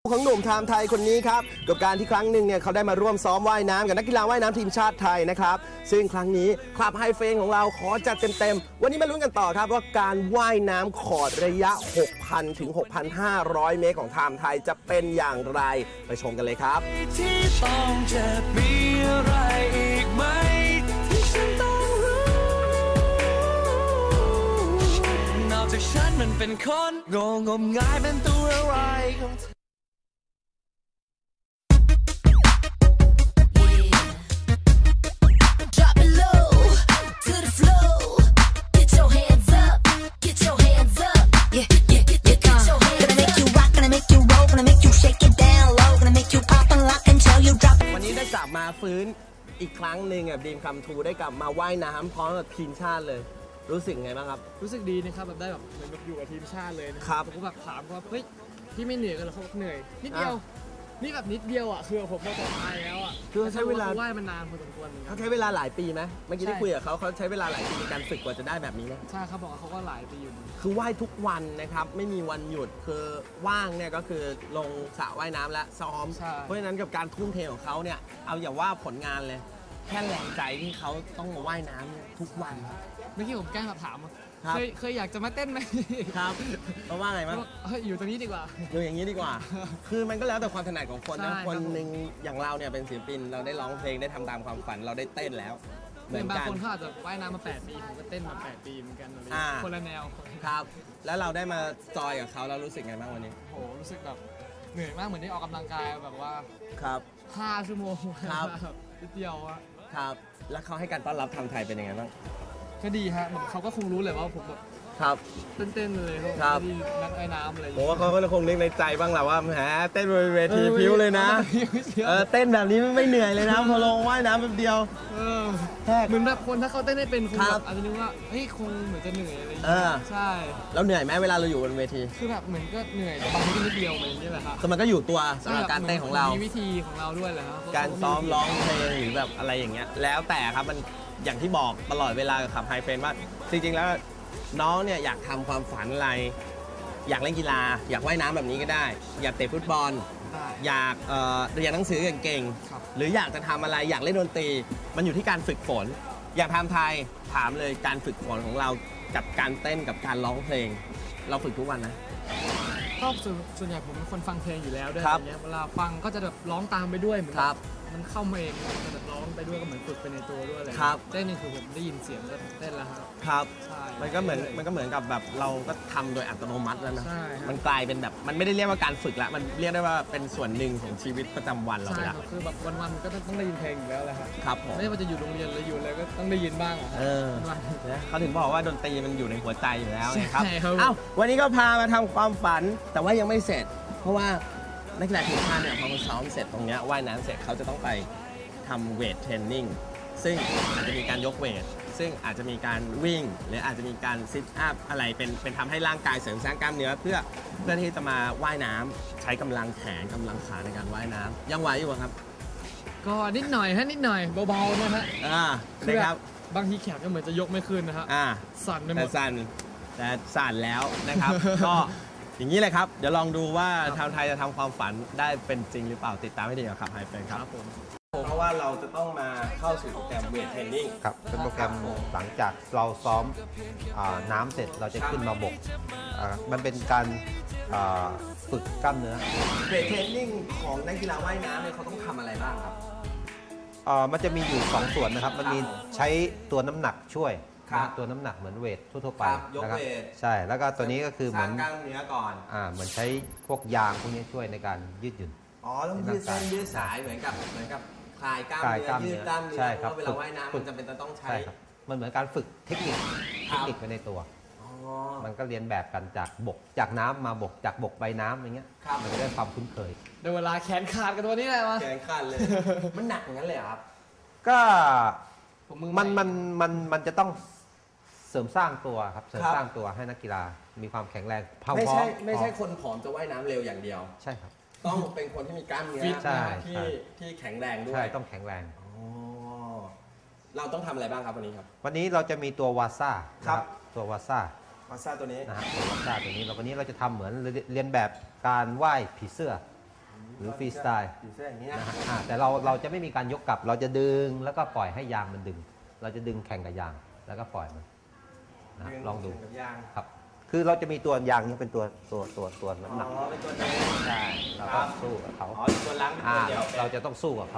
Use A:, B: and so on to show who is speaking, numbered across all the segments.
A: ของหนุ่มไทม์ไทยคนนี้ครับกับการที่ครั้งหนึ่งเนี่ยเขาได้มาร่วมซ้อมว่ายน้ำกับนักกีฬาว่ายน้ำทีมชาติไทยนะครับซึ่งครั้งนี้คลับไฮเฟนของเราขอจัดเต็มๆวันนี้มาลุ้นกันต่อครับว่าการว่ายน้ำขอดระยะ 6,000 ถึง 6,500 เมตรของไทม์ไทยจะเป็นอย่างไรไปชมกันเลยครับที่ต้องจะมีอะไรอีกไหมที่ฉันต้องรู้นอกจากฉันมันเป็นคนงมงายเป็นตัวอะไรกลับมาฟื้นอีกครั้งหนึ่งดีมคัมทูได้กลับมาว่ายน้ำพร้อมกับทีมชาติเลยรู้สึกไงบ้างครับ
B: รู้สึกดีนะครับแบบได้แบบเหมือนแบบอยู่กับทีมชาติเลยนะครับผมก็แบบถามว่าเฮ้ยพี่ไม่เหนื่อยกันหรอเขาเหนื่อยนิดเดียวนี่แบบนิดเดียวอ่ะคือผมพอตายแล้วอ่ะ
A: คือใช้เวลา
B: ว่ายมันนานพอสมควร
A: เขาใช้เวลาหลายปีไหมเมื่อกี้ที่คุยกับเขาใช้เวลาหลายปีในการฝึกกว่าจะได้แบบนี้นะ
B: ใช่เขาบอกว่าเขาก็หลายปีอยู่
A: คือว่ายทุกวันนะครับไม่มีวันหยุดคือว่างเนี่ยก็คือลงสระว่ายน้ำและซ้อมเพราะฉะนั้นกับการทุ่มเทของเขาเนี่ยเอาอย่าว่าผลงานเลยแค่แรงใจที่เขาต้องมาว่ายน้ำเนี่ยทุกวัน
B: เมื่อกี้ผมแกล้งถามเคยอยากจะมาเต้นไหม
A: ครับเพราะว่าไงมั้ง
B: อยู่ตรงนี้ดีกว่า
A: อยู่อย่างนี้ดีกว่าคือมันก็แล้วแต่ความถนัดของคนนะคนหนึ่งอย่างเราเนี่ยเป็นศิลปินเราได้ร้องเพลงได้ทำตามความฝันเราได้เต้นแล้ว
B: เหมือนบางคนเขาอาจจะว่ายน้ำมา8 ปีผมก็เต้นมา8 ปีเหมือนกันอะไรคนละแนว
A: ครับแล้วเราได้มาจอยกับเขาเรารู้สึกไงบ้างวันนี้
B: โหรู้สึกแบบเหนื่อยมากเหมือนได้ออกกำลังกายแบบว่า
A: ครับ
B: 5 ชั่วโมง
A: ครับ
B: นิดเดียวอะ
A: ครับแล้วเขาให้การต้อนรับทางไทยเป็นยังไงบ้าง
B: ก็ดีฮะเขาก็คงรู้เลยว่าผมแบบ
A: ครับ
B: เต้นเลย
A: ครับ
B: นักว่ายน้ำอะไร
A: ผมว่าเขาก็คงนึกในใจบ้างแหละว่าแหมเต้นบนเวทีพิ้วเลยนะเต้นแบบนี้ไม่เหนื่อยเลยนะพอลงว่ายน้ำแป๊บเดียว
B: เหมือนแบบคนถ้าเขาเต้นได้เป็นคงแบบอาจจะนึกว่าเฮ้ยคงเหมือนจะเหนื่อยอะไรอย่างเงี้ยใช่
A: แล้วเหนื่อยไหมเวลาเราอยู่บนเวที
B: คือแบบเหมือนก็เหนื่อยบางทีก็นิดเดียวอะไรอย่างเงี้ยแหละครับ
A: คือมันก็อยู่ตัวสำหรับการเต้นของเรา
B: มีวิธีของเราด้วยแหละครับ
A: การซ้อมร้องเพลงหรือแบบอะไรอย่างเงี้ยแล้วแต่ครับมันอย่างที่บอกตลอดเวลากับขับไฮเฟนว่าจริงๆแล้วน้องเนี่ยอยากทำความฝันอะไรอยากเล่นกีฬาอยากว่ายน้ำแบบนี้ก็ได้อยากเตะฟุตบอลอยากเรียนหนังสือเก่งๆหรืออยากจะทำอะไรอยากเล่นดนตรีมันอยู่ที่การฝึกฝนอย่างไทม์ไทยถามเลยการฝึกฝนของเรากับการเต้นกับการร้องเพลงเราฝึกทุกวันนะ
B: ก็ส่วนใหญ่ผมเป็นคนฟังเพลงอยู่แล้วด้วยอย่างเงี้ยเวลาฟังก็จะแบบร้องตามไปด้วยเหมือนมันเข้ามาเองจะแบบร้องไปด้วยก็เหมือนฝึกไปในตัวด้วยเลยเต้นนี่คือผมได้ยินเสียงก็เต้นแล้ว
A: ครับมันก็เหมือนกับแบบเราก็ทำโดยอัตโนมัติแล้วนะมันกลายเป็นแบบมันไม่ได้เรียกว่าการฝึกละมันเรียกได้ว่าเป็นส่วนหนึ่งของชีวิตประจำวันเราไปแล้ว
B: คือแบบวันๆก็ต้องได้ยินเพลงอยู่แล้วแหละ
A: ครับผม
B: ไม่ว่าจะอยู่โรงเรียนหรืออยู่อะไรก็ต้องได้ยินบ้าง
A: เขาถึงบอกว่าดนตรีมันอยู่ในหัวใจอยู่แล้วนะครับเอ้าวันนี้ก็พามาทำความฝันแต่ว่ายังไม่เสร็จเพราะว่านักกีฬาทีมชาติเนี่ยพอเขาซ้อมเสร็จตรงนี้ว่ายน้ำเสร็จเขาจะต้องไปทำเวทเทรนนิ่งซึ่งอาจจะมีการยกเวทซึ่งอาจจะมีการวิ่งหรืออาจจะมีการซิทอัพอะไรเป็นทำให้ร่างกายเสริมสร้างกล้ามเนื้อเพื่อที่จะมาว่ายน้ำใช้กำลังแขนกำลังขาในการว่ายน้ำยังไหวอยู่ครับ
B: ก็นิดหน่อยนิดหน่อยเบาๆนะฮะ
A: นะครับ
B: บางทีแขนก็เหมือนจะยกไม่ขึ้นนะฮะสั่นไปหมด
A: แต่สั่นแล้วนะครับก็อย่างนี้เลยครับเดี๋ยวลองดูว่าชาวไทยจะทำความฝันได้เป็นจริงหรือเปล่าติดตามให้ดีกับขับไฮเฟนครับเพราะว่าเราจะต้องมาเข้าสู่โปรแกรมเวทเทรนนิ่ง
C: ครับเป็นโปรแกรมหลังจากเราซ้อมน้ำเสร็จเราจะขึ้นมาบกมันเป็นการฝึกกล้ามเนื้อ
A: เวทเทรนนิ่งของนักกีฬาว่ายน้ำเนี่ยเขาต้องทำอะไรบ้างครับ
C: มันจะมีอยู่2ส่วนนะครับมันมีใช้ตัวน้ำหนักช่วยตัวน้ำหนักเหมือนเวททั่วไปนะครับใช่แล้วก็ตัวนี้ก็คือเหมือน
A: กล้ามเนื้อก่อน
C: เหมือนใช้พวกยางพวกนี้ช่วยในการยืดหยุ่น
A: ต้องยืดเส้นยืดสายเหมือนกับคลายกล้ามเนื้อยืดกล้ามเนื้อเพราะเวลาว่ายน้ำมันจำเป็นต้องใช้
C: มันเหมือนการฝึกเทคนิคไปในตัวมันก็เรียนแบบกันจากน้ำมาบกจากบกไปน้ำอย่างเงี้ยมันจะได้ความคุ้นเคย
B: ในเวลาแขนขาดกันตัวนี้เลยวะ
A: แขนขาดเลยมันหนักอย่างนั้นเลยครับ
C: ก็มันจะต้องเสริมสร้างตัวครับเสริมสร้างตัวให้นักกีฬามีความแข็งแรง
A: ไม่ใช่คนผอมจะว่ายน้ำเร็วอย่างเดียว
C: ใช่ครับ
A: ต้องเป็นคนที่มีกล้ามเนื้อที่แข็งแรงด้วย
C: ใช่ต้องแข็งแรง
A: เราต้องทำอะไรบ้างครับวันนี้ครับ
C: วันนี้เราจะมีตัววาซ่า
A: ครับ
C: ตัววาซ่า
A: ตัวนี้
C: นะฮะตัววาซ่าตัวนี้วันนี้เราจะทำเหมือนเรียนแบบการว่ายผีเสื้อหรือฟรีสไตล์
A: ผีเสื้ออย่างนี้นะ
C: นะฮะแต่เราจะไม่มีการยกกลับเราจะดึงแล้วก็ปล่อยให้ยางมันดึง เราจะดึงแข่งกับยางแล้วก็ปล่อยมันนะลองดู
A: กับยาง
C: ครับคือเราจะมีตัวยางนี้เป็นตัวน้ำหนัก
A: เป็นตัวนี้
C: ใช่เราก็สู้กับเขา
A: อ๋อตัวล้างเป็นตัวเดียว
C: เราจะต้องสู้กับเขา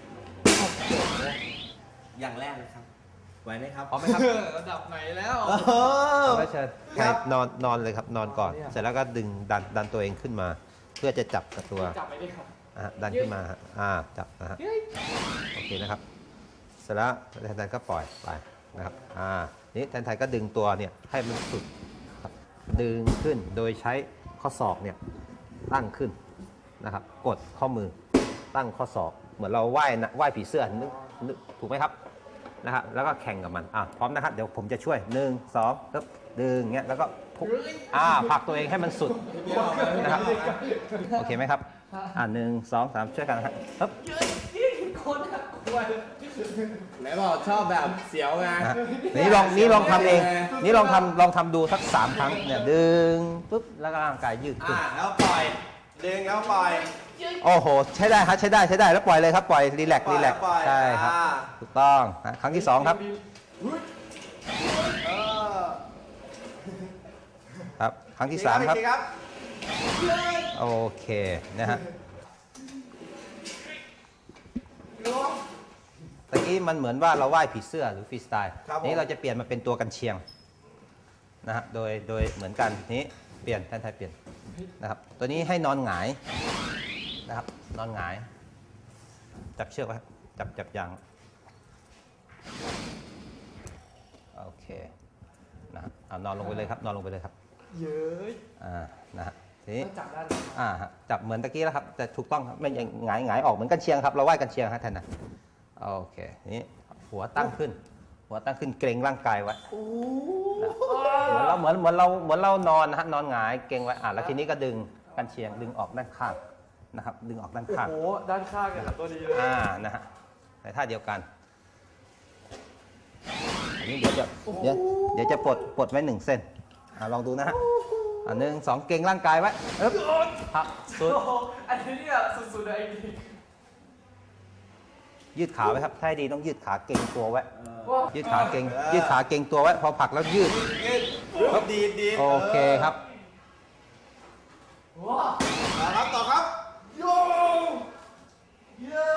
A: อย่างแรกเลยครับไหวไหมครับ
C: พร้อมไหมครับ
B: ระดับไหนแล้ว
C: เอาไว้เชิญ
A: ครับ
C: นอนเลยครับนอนก่อน เสร็จแล้วก็ดึงดันตัวเองขึ้นมา เพื่อจะจับกับตัว
B: จับไปดิครับ
C: ดันขึ้นมาฮะจับนะฮะโอเคนะครับ เสร็จแล้วแทนก็ปล่อยไปนะครับนี่แทนก็ดึงตัวเนี่ยให้มันสุดครับดึงขึ้นโดยใช้ข้อศอกเนี่ยตั้งขึ้นนะครับกดข้อมือตั้งข้อศอกเหมือนเราว่ายผีเสื้อนึกถูกไหมครับนะครับแล้วก็แข่งกับมันพร้อมนะครับเดี๋ยวผมจะช่วย1 2ปึ๊บดึงเงี้ยแล้วก็ผลักตัวเองให้มันสุดนะครับโอเคไหมครับ1 2 3ช่วยกันนะครับปึ๊บ
B: คนน่ากลัว
A: ไหนบอกชอบแบบเสียวไง
C: นี่ลองทำเองนี่ลองทำดูสัก3 ครั้งเนี่ยดึงปุ๊บแล้วก็ร่างกายยืดขึ้น
A: แล้วปล่อยดึงแล้วปล่อย
C: โอ้โหใช้ได้ครับใช้ได้แล้วปล่อยเลยครับปล่อยรีแลกซ์ใช่ครับถูกต้องครั้งที่2ครับครับครั้งที่3ครับโอเคนะฮะตะกี้มันเหมือนว่าเราว่ายผีเสื้อหรือฟรีสไตล์นี้เราจะเปลี่ยนมาเป็นตัวกันเชียงนะฮะโดยเหมือนกันนี้เปลี่ยนแทนไทยเปลี่ยนนะครับตัวนี้ให้นอนหงายนะครับนอนหงายจับเชือกไว้จับยางโอเคนะนอนลงไปเลยครับนอนลงไปเลยครับ
B: เย้ย
C: นะฮะทีนี้
B: จับได้
C: จับเหมือนตะกี้แล้วครับแต่ถูกต้องครับไม่หงายออกเหมือนกันเชียงครับเราว่ายกันเชียงฮะท่านนะโอเคนี้หัวตั้งขึ้นเกรงร่างกายไว้เหมือนเรานอนนะฮะนอนหงายเกรงไว้แล้วทีนี้ก็ดึงกันเชียงดึงออกด้านข้างนะครับดึงออกด้านข้าง
B: โอ้โหด้านข้างกันตัวดีเลย
C: นะฮะในท่าเดียวกันอันนี้เดี๋ยวจะปลดไว้1 เส้นลองดูนะฮะ1 2เกรงร่างกายไว้พักสุด
B: อันนี้เนี่ยสุดๆเลย
C: ยืดขาไว้ครับถ้าดีต้องยืดขาเกรงตัวไว้ยืดขาเกรงตัวไว้พอผลักแล้วยืด
A: ดี
C: โอเคครับ
A: ต่อครับโยเย้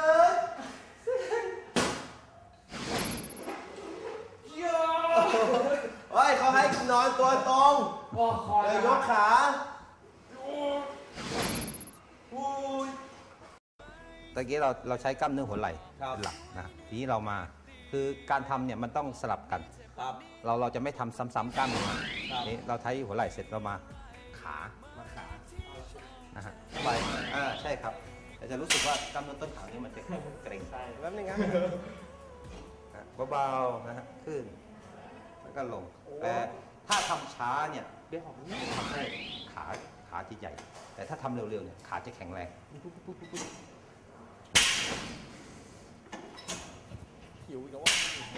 A: เขาให้นอนตัวตรงเลยยกขา
C: ตะกี้เราใช้กล้ามเนื้อหัวไหล่เป็นหลักนะทีนี้เรามาคือการทำเนี่ยมันต้องสลับกันเราจะไม่ทำซ้ำๆกล้ามเนื้อนี่เราใช้หัวไหล่เสร็จเรามาขานะฮะไปใช่ครับแต่จะรู้สึกว่ากล้ามเนื้อต้นขานี่มันจะเกร็งแป๊บนึงครับเบาๆนะฮะขึ้นแล้วก็ลงแต่ถ้าทำช้าเนี่ยทำให้ขาจะใหญ่แต่ถ้าทำเร็วๆเนี่ยขาจะแข็งแรง
B: หิวอีกแล้วว่า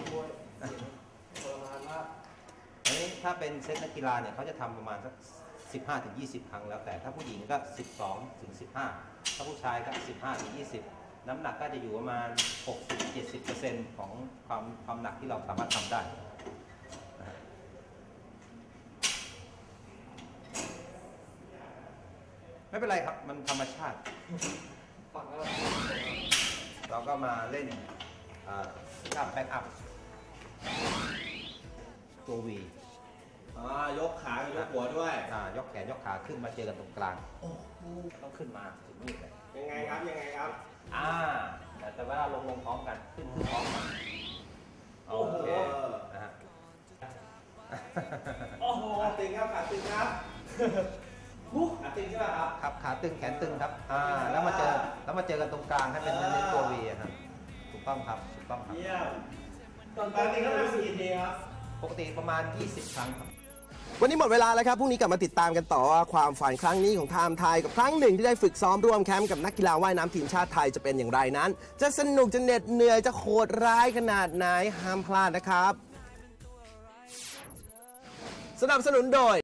C: อันนี้ถ้าเป็นเซตนักกีฬาเนี่ยเขาจะทำประมาณสัก15-20 ครั้งแล้วแต่ถ้าผู้หญิงก็12-15ถ้าผู้ชายก็15-20น้ำหนักก็จะอยู่ประมาณ 60-70% ของความหนักที่เราสามารถทำได้ไม่เป็นไรครับมันธรรมชาติเราก็มาเล่นท่าแบ็กอัพตัววี
A: ยกขายกหัวด้วย
C: ยกแขนยกขาขึ้นมาเจอกันตรงกลางต้องขึ้นมาถึงนี่เลย
A: ยังไงครับ
C: แต่เวลาลงพร้อมกันขึ้นพร้อมกันโอเคนะฮะ
A: ขาตึงครับขาตึงใช่ไหม
C: ครับขาตึงแขนตึงครับแล้วมาเจอกันตรงกลางให้เป็นในตัววีครับถูกต้องครับ
A: เยี่ยมตอนนี้ก็รู้สึกดีครับ
C: ปกติประมาณ20 ครั้งครับ
A: วันนี้หมดเวลาแล้วครับพรุ่งนี้กลับมาติดตามกันต่อว่าความฝันครั้งนี้ของไทม์ไทยกับครั้งหนึ่งที่ได้ฝึกซ้อมร่วมแคมป์กับนักกีฬาว่ายน้ำทีมชาติไทยจะเป็นอย่างไรนั้นจะสนุกจะเหน็ดเหนื่อยจะโหดร้ายขนาดไหนห้ามพลาดนะครับสนับสนุนโดย